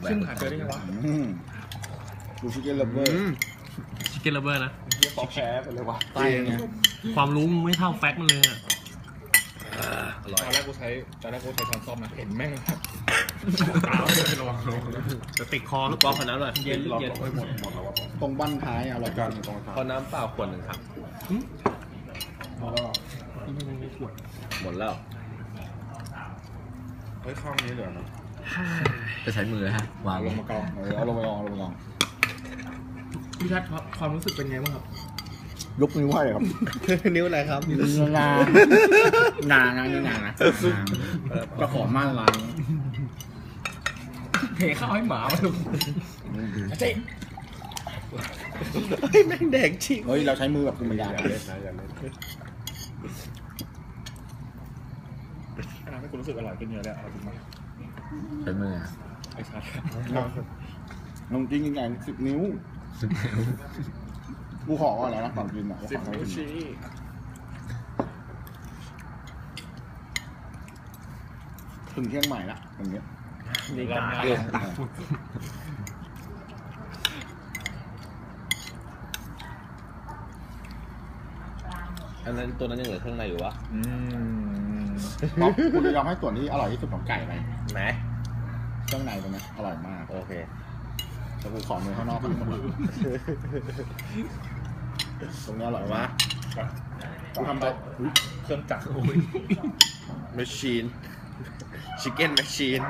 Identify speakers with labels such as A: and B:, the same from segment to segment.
A: ซึ่งหาเจอได้ยังวะ
B: ดูชิคเก้นเลเวอร์
C: ชิคเก้นเลเวอร์นะ
A: เฮียปอกแพ้ไปเลยวะ
B: ใต้ไง
C: ความรู้มึงไม่เท่าแฟกต์มันเลยอ่ะ
A: ตอนแรกกูใช้ช้อนซ่อมนะเห็นแม่ง
C: จะติดคอลูกกอล์ฟขนาดนั้นเลยเย็นเย็น
B: ตรงบั้นท้ายอร่อยกันตรงท้าย
D: ขอน้ำเปล่าขวดหนึ่งครับ หมดแล้ว
B: เฮ้ยข้างนี้เหลือนะ
D: จะใช้มือฮะวาง
B: เอาลงมากองเอาลงไปกองเอาลงไปกอง
A: พี่ชัดความรู้สึกเป็นไงบ้างครับ
B: ยกนิ้วให้ครับ
D: นิ้วอะไรครับ
B: งางานี่งานะก็ขอม่านล้าง
A: เทข้าวให้หมามาดูเจ๊
D: แม่งแดงชิง
B: เฮ้ยเราใช้มือแบบธรรมดา
A: อันนั้นให้กูรู้สึกอร่อยขึ้นเยอะแล้วเอาจริงไหม
D: ใช้มือ
A: ไอ้ชัด
B: ลงจริงยังไง10 นิ้วกูขออะไรนะก่อนกินอ่ะ
A: 10 นิ้วชี้
B: ถึงเที่ยงใหม่ละอย่างเงี้ย
A: นี่กัน
D: อันนั้นตัวนั้นยังเหลือเครื่องในอยู่วะ
B: ป๊อปคุณจะยอมให้ส่วนที่อร่อยที่สุดของไก่ไป
D: ไหน
B: เครื่องในตรงนี้อร่อยมาก
D: โอเค
B: แต่กูขอเนื้อข้างนอกทั้งหมดตรงนี้อร่อยวะกูทำไปอุ๊ย
A: เครื่องจักร
D: แมชชีน ชิคเก้นแมชชีน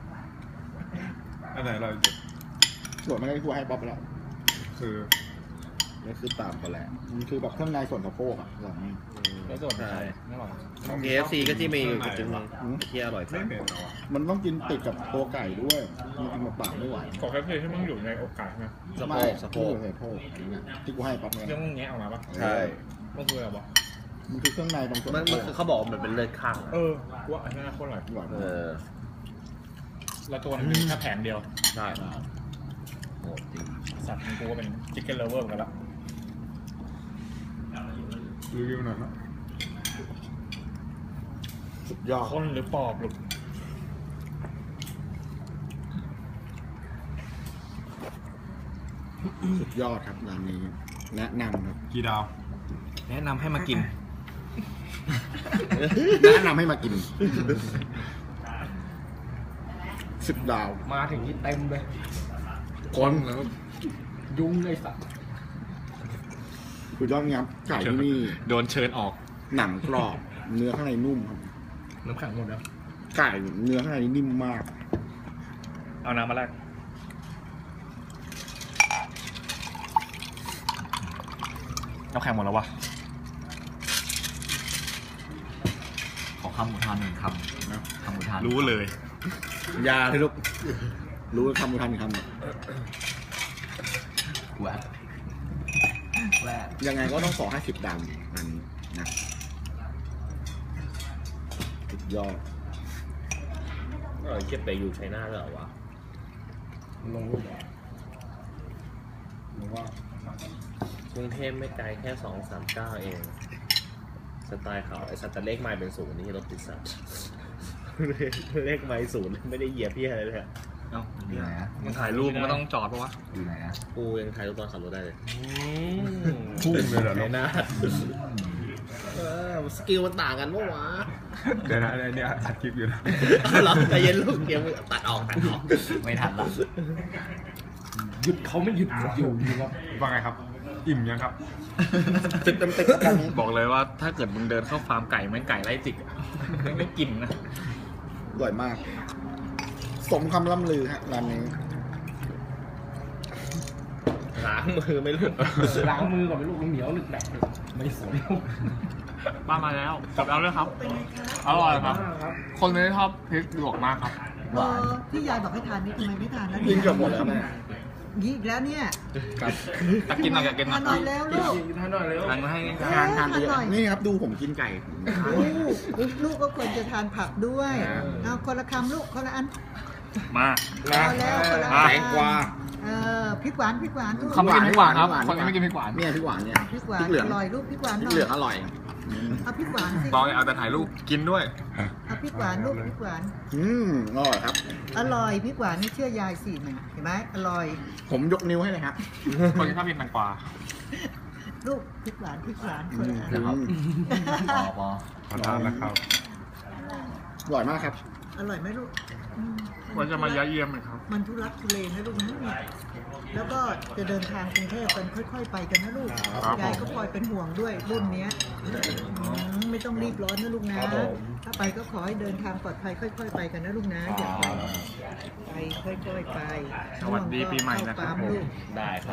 E: อันไหนเรา
B: ส่วนไม่ได้กูให้ป๊อปไปแล้ว
E: คือ
B: นี่คือตามกันแหละมันคือแบบเครื่องในส่วนสะโพกอ่ะอร่อยมาก
A: แล้วส่วนไก่ไม่อร่อย
D: KFC ก็ที่มีอยู่จุดนึงที่อร่อย
E: ไม่เห็นเหรอวะ
B: มันต้องกินติดกับตัวไก่ด้วยมันกินเปล่าๆไม่ไหว
A: ขอแค่เพียงที่มึงอยู่ในโอกาสใช่ไหม
D: สะโพ
B: ไม่
D: กสะโพก
B: สะโพกเนี่ยที่กูให้ป๊อปเนี่ย
A: เรื่องมึงแงะออกมาปะ
D: ใช่
A: มันคืออะไรวะ
B: มันคือเครื่องในตรงส่วน
D: มัน
B: สะโพ
D: คือก เขาบอกมันเป็นเลือดข้าง
A: เออกูว่าอันนี้น่าโคตรอร่อย
B: อร่อย
D: เอ
B: มาก
D: อ
A: แล้วตัวนั้นมีแค่แผงเดียว
D: ใช่โหจริง
A: สัตว์กูก็เป็นชิคเก้นเลเวอร์เหมือนกันละ
E: รีวิวหน่อยนะ
B: สุดยอด
A: คนหรือปอบหรือ
B: สุดยอดครับร้านนี้แนะนำครับ
E: กี่ดาว
C: แนะนำให้มากิน
B: แนะนำให้มากิน10 ดาว
A: มาถึงที่เต็มเลย
B: คนแล้ว
A: ยุงเลยสัตว์
B: สุดยอดครับไก่ที่นี่
A: โดนเชิญออก
B: หนังกรอบเนื้อข้างในนุ่มครับ
A: น้ำแข็งหมดแล้ว
B: ไก่เนื้อข้างในนิ่มมาก
A: เอาน้ำมาแรกน้ำแข็งหมดแล้ววะ
D: ขอคำอุทานหนึ่งคำนะคำอุทาน
A: รู้เลย
B: ยาที่ลูกรู้ทำกูทำอีกคำหนึ่ง
D: แหวกแหวก
B: ยังไงก็ต้องขอให้10 ดาวอันนี้นะสุดยอด
D: เก็บไปอยู่ไชน่าแล้วเหรอวะ
B: ลงรูปหรือว่าก
D: รุงเทพไม่ไกลแค่239เอง สไตล์เขาไอ้สัตว์แต่เลขไมล์เป็น0นี่รถติดสัตว์ เลขไมล์0ไม่ได้เหยียบพี่อะไรเลยอะ
C: เอ้า
D: อยู่ไหนอะ
C: มันถ่ายรูปมันก็ต้องจอดปะวะ
D: อยู่ไหนอะกูยังถ่ายรูปตอนขับรถได้เลย
E: พุ่งเลยเหรอ
D: ไชน่าสกิลมันต่างกันปะวะ
E: เดี๋ยวนะเนี่ยอัดคลิปอยู่นะ
D: เหรอใจเย็นลูกเดี๋ยวตัดออกไม่ทันละ
A: หยุดเขาไม่หยุดอยู่ครับ
E: ว่าไงครับ อิ่มยังครับ
B: 10 เต็มกันนี้
A: บอกเลยว่าถ้าเกิดมึงเดินเข้าฟาร์มไก่แม่งไก่ไล่จิกอะไม่กินนะ
B: อร่อยมาก สมคำล่ำลือฮะร้านนี้
D: ล้างมือไม่รู้
A: ล้างมือก่อนเป็นลูกเหนียวหนึกแดกไม่สวยป้ามาแล้วกลับแล้วเลยครับอร่อยครับ คนไม่ชอบพริกหยวกมากครับ
D: หวาน
F: ที่ยายบอกให้ทานนี่ทำไมไม่ทานแล้ว
B: กินเกือบหมดแล้วแม่
F: ยี่อีกแล้วเนี่ย
B: ครับ
A: อยากกินหน่อยอยากกินหน่
F: ทา
A: อน ย
F: หน่อยแล้วลูก
A: ทานหน่อยเร็วทานมาให้
B: ทานไปเยอะนี่ครับดูผมกินไก่
F: ลูกก็ควรจะทานผักด้วย เอาคนละคำลูกคนละอัน
A: มา
F: เอาแล้วคนละอัน
B: แตงกวา
F: พริกหวานพริกหวานลูก
A: เขาไม่กินพริกหวานครับคนไม่กินพริกหวาน
B: เนี่ยพริกหวานเนี่ย
F: พริกหวาน
B: เหลือง
F: อร่อยลูกพริกหวาน
B: พริ
F: ห
B: ก
F: น่อย
B: เหลืองอร่อย
F: เอาพริกหวานสิ
A: ตอนเอาแต่ถ่ายรูปกินด้วย
F: เอาพริกหวานลูกพริกหวาน
B: อร่อยครับ
F: อร่อยพริกหวานนี่เชื่อยายสิเนี่ยเห็นไหมอร่อย
B: ผมยกนิ้วให้เลยครับ
A: คนที่ชอบกินแตงกวา
F: ลูกพริกหวานคนละอัน
B: นะครับ
E: ขอทานนะครับ
B: อร่อยมากครับ
F: อร่อยไหมลูก
A: วันจะมายะเยี่ยมไหมครับ
F: มันทุรักทุเลนะลูกนะเนี่ยแล้วก็จะเดินทางกรุงเทพกันค่อยๆไปกันนะลูก
A: ครับ
F: ยายก็คอยเป็นห่วงด้วยรุ่นเนี้ยไม่ต้องรีบร้อนนะลูกนะ ถ้าไปก็ขอให้เดินทางปลอดภัยค่อยๆไปกันนะลูกนะอย่าไปค่อยๆไป
A: สวัสดีปีใหม่นะครับ
F: เข้าปั๊มลูก
D: ได้ครับ